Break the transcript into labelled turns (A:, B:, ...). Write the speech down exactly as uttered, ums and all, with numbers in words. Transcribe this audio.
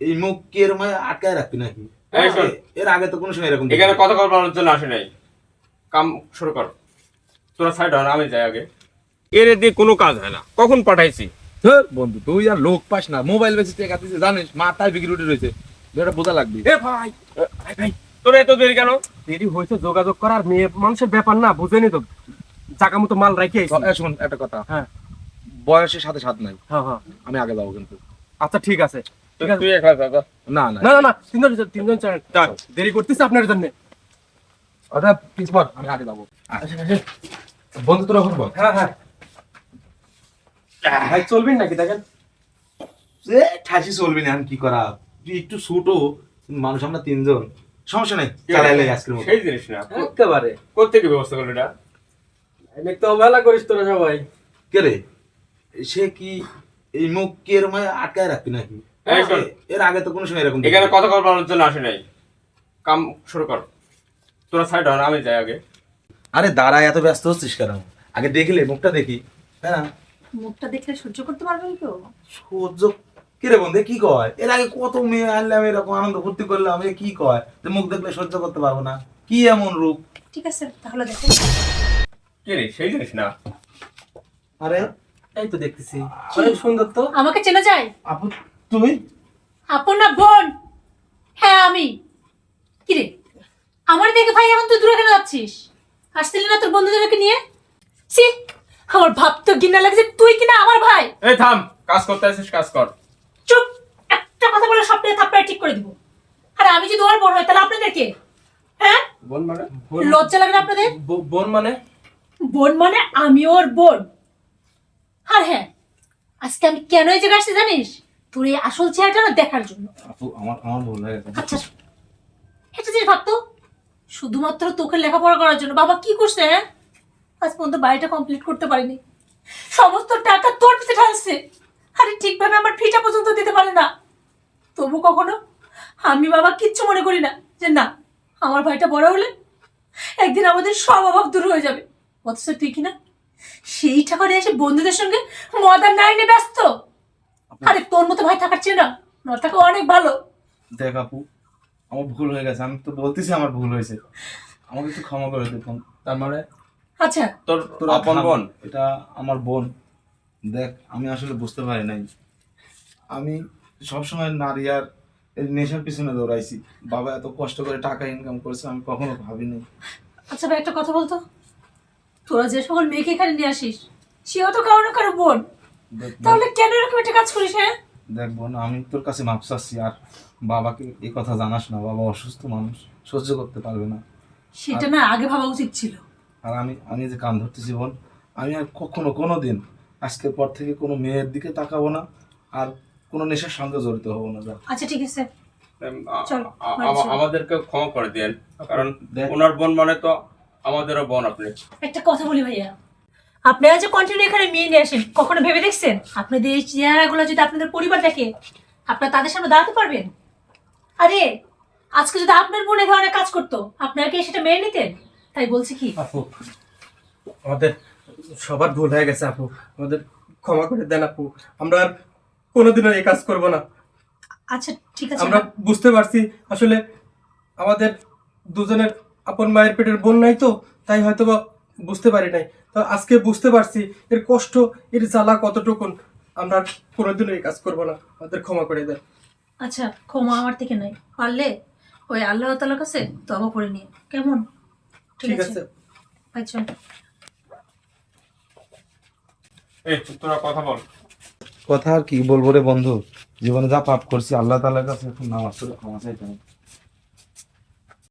A: এই মুখ কি এর মধ্যে আটকায় রাখবি নাকি?
B: এই শোন,
A: এর আগে তো কোনো সময় এরকম
B: এখানে কথা বলার জন্য আসে নাই। কাম শুরু কর। তোরা সাইড হন, আমি যাই আগে। এর দিয়ে কোনো কাজ হয় না। কখন পাঠাইছি?
A: ধুর, বন্ধু তুই আর লোক পাস না, মোবাইল বেশি টাকা দিতে জানিস, মাথায় বিক্রি উঠে রয়েছে, এটা বোঝা লাগবে।
B: এ ভাই, ভাই ভাই, তোরা এত দেরি কেন?
C: দেরি হয়েছে যোগাযোগ করার, মেয়ে মানুষের ব্যাপার না, বুঝেনি তো, জায়গা মতো মাল রাখি আইছি।
A: এ, শোন একটা কথা,
C: হ্যাঁ
A: বয়সের সাথে সাথ নাই,
C: হ্যাঁ হ্যাঁ,
A: আমি আগে যাবো কিন্তু।
C: আচ্ছা ঠিক আছে ঠিক আছে।
B: তুই একলা যা, যা।
A: না না
C: না না না, তিনজন তিনজন চার,
B: যা।
C: দেরি করতেছে আপনার জন্য।
A: ওটা প্লিজ বল, আমি আগে যাবো। বন্ধু তোরা এখন বল।
C: হ্যাঁ হ্যাঁ ভাই, চলবেন নাকি দেখেন?
A: এ ঠাসি চলবি না, আমি কি করা, তুই একটু ছোটো মানুষ, আমরা তিনজন, সমস্যা নাই, চালাইলে আজকের মতো।
B: সেই জিনিস না।
C: একেবারে
B: কোত্থেকে ব্যবস্থা করলি এটা?
C: এনে তো অবহেলা করিস তোরা সবাই।
A: কে রে, সে কি এই মুখ কি এর মধ্যে আটকায় রাখবি নাকি?
B: এই শোন,
A: এর আগে তো কোনো সময় এরকম
B: এখানে কথা বলার জন্য আসে নাই। কাম শুরু কর। তোরা সাইড হন, আমি যাই আগে।
A: আরে দাঁড়ায়, এত ব্যস্ত হচ্ছিস কেন? আগে দেখলে মুখটা দেখি। হ্যাঁ,
D: মুখটা দেখলে সহ্য করতে পারবেন তো?
A: সহ্য কি রে বন্ধু, কি কয়? এর আগে কত মেয়ে আনলাম, এরকম আনন্দ ফুর্তি করলাম, এ কি কয় যে মুখ দেখলে সহ্য করতে পারবো না? কি এমন রূপ?
D: ঠিক আছে তাহলে দেখো।
B: কে রে, সেই জিনিস না।
A: আরে
C: এই তো দেখতেছি অনেক সুন্দর তো।
D: আমাকে চেনা যায়?
A: আপু তুমি?
D: আপন না বোন? হ্যাঁ আমি। কি রে, আমার দেখে ভাই এখন তুই দূরে কেন যাচ্ছিস? আসছিলি না তোর বন্ধুদেরকে নিয়ে? সি, আমার ভাবতে ঘৃণা লাগছে, তুই কিনা আমার ভাই।
B: এই থাম, কাজ করতে আসিস, কাজ কর।
D: চুপ, একটা কথা বলে সবটাকে থাপ্পড়ে ঠিক করে দিব। আর আমি যদি ওর বোন হয় তাহলে আপনাদের কে? হ্যাঁ,
B: বল মানে?
D: লজ্জা লাগে না আপনাদের?
C: ব- বোন মানে?
D: বোন মানে আমি ওর বোন। আর হ্যাঁ, আজকে আমি কেন এই জায়গায় আসছি জানিস? তোর এই আসল চেহারাটা না দেখার জন্য।
A: আপু আমার আমার ভুল হয়ে গেছে।
D: আচ্ছা, একটা জিনিস ভাবতো, শুধুমাত্র তোকে লেখাপড়া করার জন্য বাবা কি করছে? হ্যাঁ, আজ পর্যন্ত বাড়িটা কমপ্লিট করতে পারিনি, সমস্ত টাকা তোর পিছে ঢালছে, আরে ঠিকভাবে আমার ফিটা পর্যন্ত দিতে পারে না। তবু কখনো আমি বাবা কিচ্ছু মনে করি না যে না, আমার ভাইটা বড় হলে একদিন আমাদের সব অভাব দূর হয়ে যাবে। অথচ তুই কিনা সেই টাকা নিয়ে এসে বন্ধুদের সঙ্গে মদার নাইনে ব্যস্ত। আরে তোর মতো ভাই থাকার চেয়ে না না থাকা অনেক ভালো।
A: দেখ আপু, আমার ভুল হয়ে গেছে, আমি তো বলতেছি আমার ভুল হয়েছে, আমাকে একটু ক্ষমা করে দেখুন।
B: তার মানে
D: আচ্ছা,
B: তোর
A: তোর
B: আপন বোন?
A: এটা আমার বোন। দেখ আমি আসলে বুঝতে পারি নাই, আমি সবসময় নারী আর এই নেশার পিছনে দৌড়াইছি। বাবা এত কষ্ট করে টাকা ইনকাম করেছে, আমি কখনো ভাবিনি।
D: আচ্ছা ভাই একটা কথা বলতো, তোরা যে সকল মেয়েকে এখানে নিয়ে আসিস সেও তো কারো না কারো বোন,
A: দেখ বোন-
D: তাহলে কেন এরকম একটা কাজ করিস? হ্যাঁ,
A: দেখ বোন, আমি তোর কাছে মাপ চাচ্ছি, আর বাবাকে এই কথা জানাস না, বাবা অসুস্থ মানুষ, সহ্য করতে পারবে না।
D: সেটা না আগে ভাবা উচিত ছিল।
A: আর আমি আমি যে কান ধরতেছি বোন, আমি আর কখনো কোনো দিন আজকের পর থেকে কোনো মেয়ের দিকে তাকাবো না, আর কোনো নেশার সঙ্গে জড়িত হবো না। যা
D: আচ্ছা ঠিক আছে,
B: উম, আ-
D: চল,
B: আ-
D: বাড়ি
B: আমা-
D: চল।
B: আমাদেরকে ক্ষমা করে দেন, কারণ
A: দেখ।
B: ওনার বোন মানে তো আমাদেরও বোন। আপনি
D: একটা কথা বলি ভাইয়া, আপনারা যে কন্টিনিউ এখানে মেয়ে নিয়ে আসেন, কখনো ভেবে দেখছেন আপনাদের এই চেহারাগুলো যদি আপনাদের পরিবার দেখে, আপনারা তাদের সামনে দাঁড়াতে পারবেন? আরে আজকে যদি আপনার বোন এ ধরনের কাজ করতো, আপনারা কি সেটা মেনে নিতেন? তাই বলছি কি,
C: আপু, আমাদের সবার ভুল হয়ে গেছে আপু, আমাদের ক্ষমা করে দেন আপু, আমরা আর কোনোদিনও এই কাজ করব না।
D: আচ্ছা ঠিক আছে।
C: আমরা বুঝতে পারছি আসলে আমাদের দুজনের আপন মায়ের পেটের বোন নাই তো, তাই হয়তো বা বুঝতে পারি নাই। তো আজকে বুঝতে পারছি এর কষ্ট, এর জ্বালা কতটুকুন। আমরা আর কোনোদিনও এই কাজ করব না, আমাদের ক্ষমা করে দেন।
D: আচ্ছা, ক্ষমা আমার থেকে নয়, পারলে ওই আল্লাহ তাআলার কাছে তওবা করে নিয়ে, কেমন?
C: ঠিক আছে।
D: ভাই চল।
B: এই তোরা কথা বল।
A: কথা আর কি বলবো রে বন্ধু, জীবনে যা পাপ করছি আল্লাহ তাআলার কাছে এখন নামাজ পড়ে ক্ষমা চাইতে হবে।